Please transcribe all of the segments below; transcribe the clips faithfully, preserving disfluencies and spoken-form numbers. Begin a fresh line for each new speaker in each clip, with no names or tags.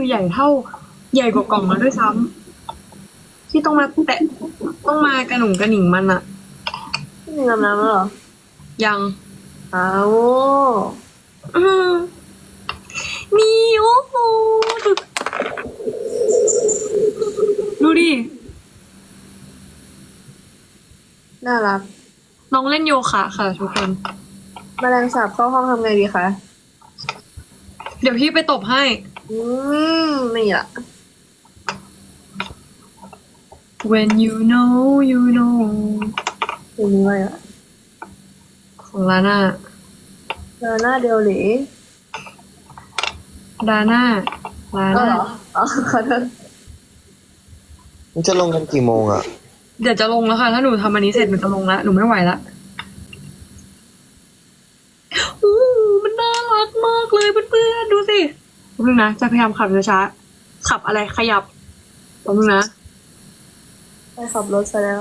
ใหญ่เท่า ใหญ่กว่ากล่องแล้วด้วยซ้ำที่ต้องมาแตะต้องมากระหนุ่งกระหนิงมันอะ
พี่หนึ่งอาบน้ำแล้วเหรอ
ยัง
อ้าว
อืมมีโอ้โหดูดูดิ
น่ารัก
น้องเล่นโยคะค่ะทุกคน
แมลงสาบเข้าห้องทำไงดีคะ
เดี๋ยวพี่ไปตบให้
อืมนี่อ่ะ
when you know you know
เพลงนี้ไว้อ่ะ
ของลาน่า
เจอหน้าเดียวหรือ
ดาน่าลา
อ๋อ
น่า
เหรออ๋อขอโทษ
มันจะลงกันกี่โมงอ่ะ
เดี๋ยวจะลงแล้วค่ะ ถ้าหนูทำอันนี้เสร็จหนูจะลงแล้ว หนูไม่ไหวละอู้มันน่ารักมากเลยเพื่อนๆดูสิแป๊บนึงนะ จะพยายามขับช้าๆขับอะไรขยับแป๊บนึงนะ
ไปขับรถซะแล้ว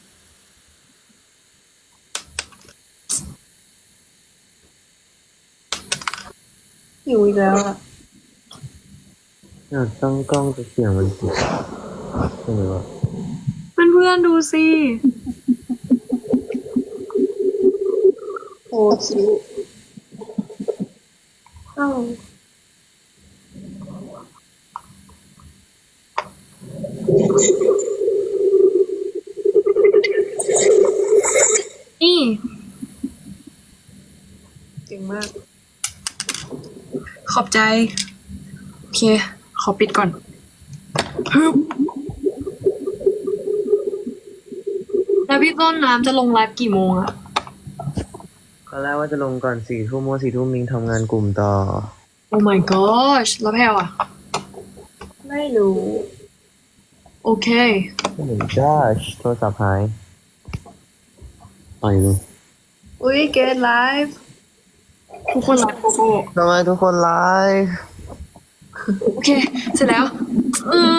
หิวอีกแล้วอ่ะ
อยากตั้งกล้องจะเสียงมันสิใช่ไหมวะ
เพื่อนๆดูสิ
โอ้คิวอ้าว
นี่
เก่งมาก
ขอบใจ โอเค ขอปิดก่อนฮึบแล้วพี่ต้นน้ำจะลงไลฟ์กี่โมงอะ
ตอนแรกว่าจะลงก่อนสี่ทุ่มโมสี่ทุ่มมิงทำงานกลุ่มต่อ
โอ้ my gosh แล้วแพลวอะ
ไม่รู้
โอเค
ไม่เห็นจ้าโทรศัพท์หายไปเลย
อุ้ยเกตไลฟ์
ทุกคนไลฟ์โกโก้
ทำไมทุกคนไลฟ์
โอเค เสร็จแล้ว อืม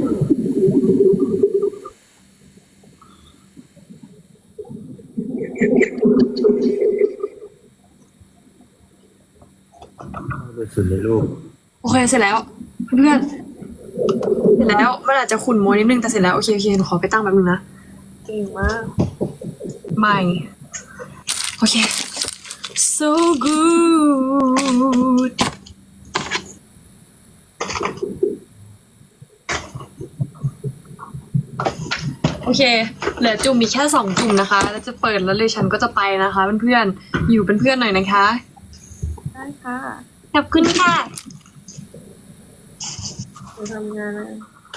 ดูสุดเลยลูก
โอเค เสร็จแล้ว เพื่อนเสร็จแล้วมันอาจจะขุ่นมัวนิดนึงแต่เสร็จแล้ว โอเคโอเคหนูขอไปตั้งแป๊บนึงนะ
เก่งมาก
ใหม่ โอเค so good โอเค เหลือจุ่มมีแค่สองจุ่มนะคะ แล้วจะเปิดแล้วเลยฉันก็จะไปนะคะเพื่อนๆ อยู่เป็นเพื่อนหน่อยนะคะ
ได้ค่ะ
ขอบคุณค่ะ
หนูทำงานนะ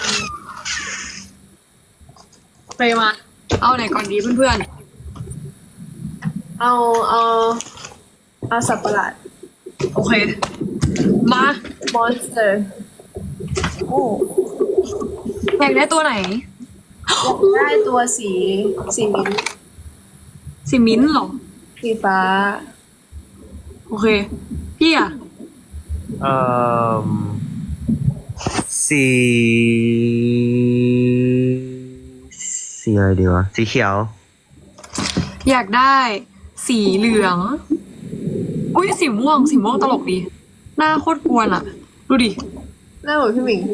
ไปมา เอาไหนก่อนดีเพื่อน
เอาเอาเอาสับประหลาด
ๆ โอเค มา
monster โอ้
อยากได้ตัวไหน
อยากได้ตัวสีสีมิ้นท์
สีมิ้นท์เหรอ
สีฟ้า
โอเค พี่อะ
เอ่อสีสีอะไรดีวะ สีเขียว
อยากได้สีเหลือง อุ้ยสีม่วง สีม่วงตลกดี หน้าโคตรกวนอะดูดิ
หน้าเหมือนพี่หมิง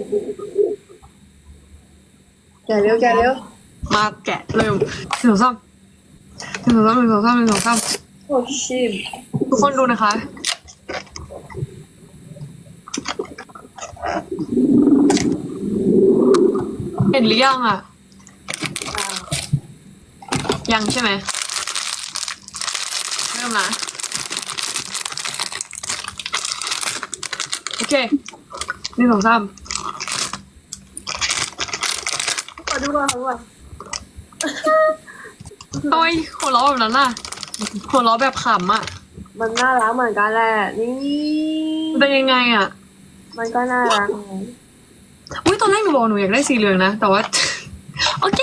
แกะเร็วแกะเร็ว
มาแกะเริ่มหนึ่งสองสามหนึ่งสองสามหนึ่งสองสามหนึ่งสองสาม
โอ้ชิม
ทุกคนดูนะคะ เห็นหรือยังอ่ะ ยังใช่ไหมเริ่มนะโอเคหนึ่งสองสาม
ขอดูก่อนขอดูก่อน
โอ้ยหัวเราะแบบนั้นน่ะหัวเราะแบบขำอ่ะ
มันน่ารักเหมือนกันแหละ นี่
มันเป็นยังไงอ่ะ
มันก็น่ารักไง
อุ้ยตอนแรกหนูบอกหนูอยากได้สีเหลืองนะ แต่ว่า โอเค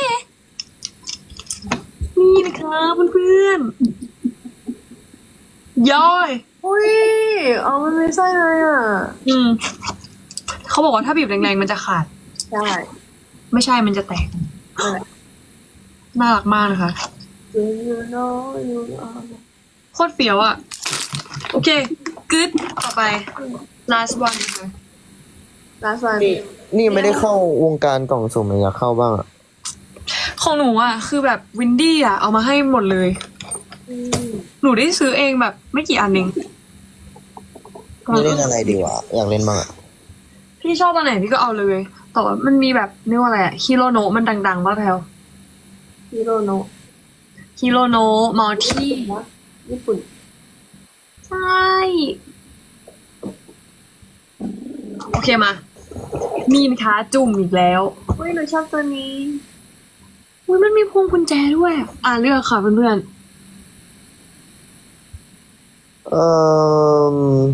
นี่นะคะเพื่อนๆย่อย
อุ้ยเอามันไม่ใช่เลยอ่ะ
อืม เขาบอกว่าถ้าบีบแรงๆมันจะขาด
ใช่
ไม่ใช่มันจะแตก
นั่นแหละ
น่ารักมากนะคะ
Do you know you are
โคตรเฟี้ยวอ่ะ โอเคกึดต่อไป last one นะคะ
last one
นี่นี่ไม่ได้เข้าวงการกล่องสุ่มเลยอยากเข้าบ้างอ่ะ
ของหนูอ่ะคือแบบวินดี้อ่ะเอามาให้หมดเลย
อืม
หนูได้ซื้อเองแบบไม่กี่อันเอง
นี่เล่นอะไรดีวะอยากเล่นบ้างอ่ะ
พี่ชอบอันไหนพี่ก็เอาเลย แต่ว่ามันมีแบบเรียกว่าอะไรอะฮิโรโนะมันดังๆป่ะแพลว
ฮิโรโนะ
ฮิโรโนะมอลที่
นะญี่ปุ่น
ใช่ โอเคมา มีนค้าจุ่มอีกแล้ว
อุ้ยหนูชอบตัวนี้
อุ้ยมันมีพวงกุญแจด้วย อ่าเลือกค่ะเพื่อน
เออ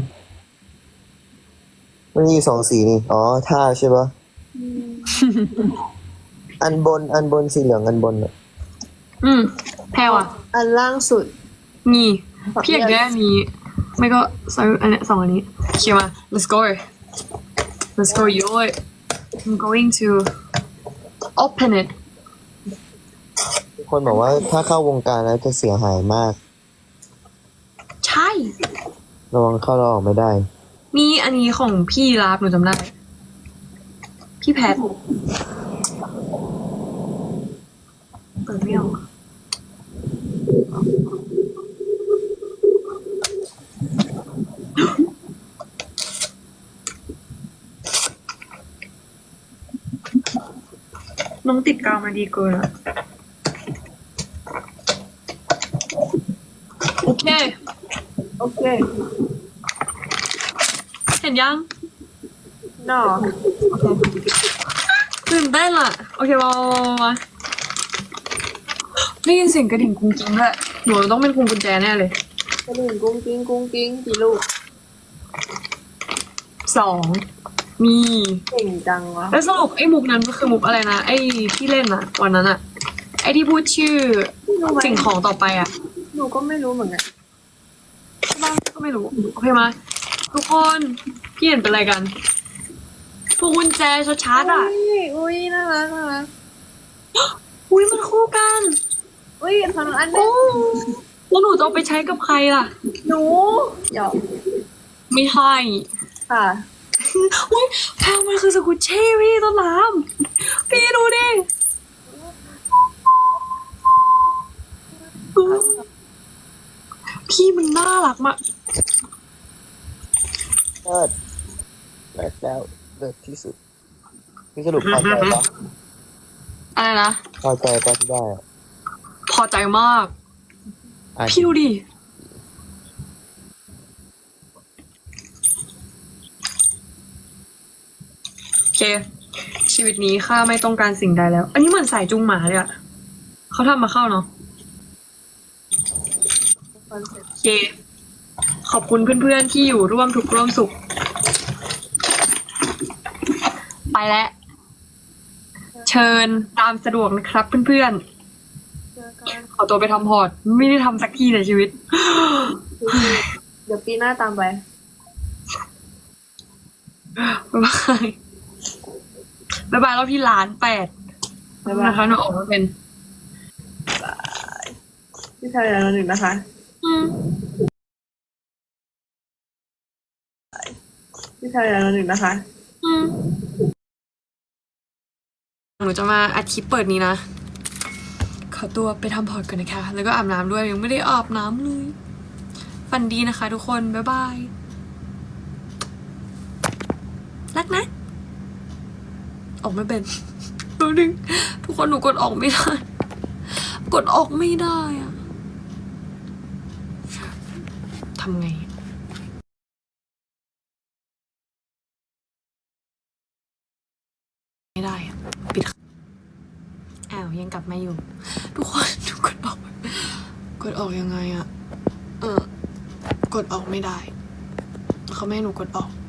มันมีสองสีนี่อ๋อท่าใช่ปะ
อืม
อันบนอันบนสีเหลืองอันบนอ่ะ
ๆอืมแพลวอ่ะ
อันล่างสุด
มีพี่อยากได้อันนี้ ไม่ก็ซื้ออันเนี้ยสองอันนี้โอเคมา let's go let's go yo I'm going to open it
คนบอกว่าถ้าเข้าวงการแล้วจะเสียหายมาก
ใช่
ระวังเข้าแล้วออกไม่ได้
นี่อันนี้ของพี่ลาบหนูจำได้ พี่แพทเปิดไม่ออกน้องติดกาวมาดีเกินอะโอเค
โอเค
เห็นยัง
นอ
ตื่นเต้นอ่ะ โอเคมามามามาได้ยินเสียงกระดิ่งกุ้งกิ้งด้วยหนูต้องเป็นพวงกุญแจแน่เลย
กระดิ่งกุ้งกิ้งกุ้งกิ้งกี่ลูก
สองมี
เก่งจังวะ
แล้วสรุปไอ้มุกนั้นก็คือมุกอะไรนะ ไอ้ที่เล่นอะวันนั้นอะไอ้ที่พูดชื่อ
รู้ไหม
สิ่งของต่อไปอะ
หนูก็ไม่รู้เหมือนกัน
บ้างก็ไม่รู้ โอเคมาทุกคนพี่เห็นเป็นอะไรกันพวงกุญแจชัดๆอะ
อุ้ยอุ้ยน่ารักน่ารัก
อุ้ยมันคู่กัน
อุ้ยทำอันนึ
โอ้
ง
แล้วหนูจะเอาไปใช้กับใครล่ะ
หนูหยอก
ไม่ให้
ค่ะ
อุ้ยแพลมันคือสกุชเช่พี่ต้นน้ำพี่ดูดิพี่มันน่ารักมาก
เลิศเลิศแล้วเลิศที่สุดพี่สรุปพอใจปะ
อะไรนะ
พอใจปะที่ได้อะ
พอใจมาก
อ่ะ
พี่ดูดิโอเค ชีวิตนี้ข้าไม่ต้องการสิ่งใดแล้ว อันนี้เหมือนสายจุงหมาเลยอะเขาทำมาเข้าเนาะ
คอนเซ็ปต์
โอเค ขอบคุณเพื่อนๆที่อยู่ร่วมทุกข์ร่วมสุข ไปแล้ว เชิญตามสะดวกนะครับเพื่อน
เจอกัน
ๆ ขอตัวไปทำพอร์ต ไม่ได้ทำสักทีในชีวิต
เดี๋ยวปีหน้าตามไป
บ๊ายบาย บ๊ายบายรอบที่ล้านแปด
บ๊ายบาย
นะคะหนูออกมาเป็น
พี่ชายอย่างหนึ่งนะคะ
อืม
พี่ชายอย่างหนึ่งนะคะ
อืม หนูจะมาอัดคลิปเปิดนี้นะ ขอตัวไปทำพอร์ตกันนะคะ แล้วก็อาบน้ำด้วย ยังไม่ได้อาบน้ำเลย ฝันดีนะคะทุกคน บ๊ายบาย รักนะ ออกไม่เป็นแป๊บนึงทุกคนหนูกดออกไม่ได้ กดออกไม่ได้อะทำไง ไม่ได้อะปิดอ้าวยังกลับมาอยู่ ทุกคนหนูกดออก กดออกยังไงอะเออ กดออกไม่ได้ เขาไม่ให้หนูกดออก